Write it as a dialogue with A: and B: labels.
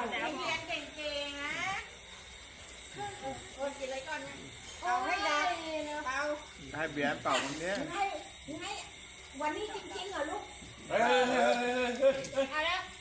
A: เรียนเก่งๆนะคนกินอะไรก่อนนะเอาให้ได้เอา
B: ให้เบียร์เป่าวันนี้
A: ให้วันนี้จริงๆเหรอลูกเอาแล้ว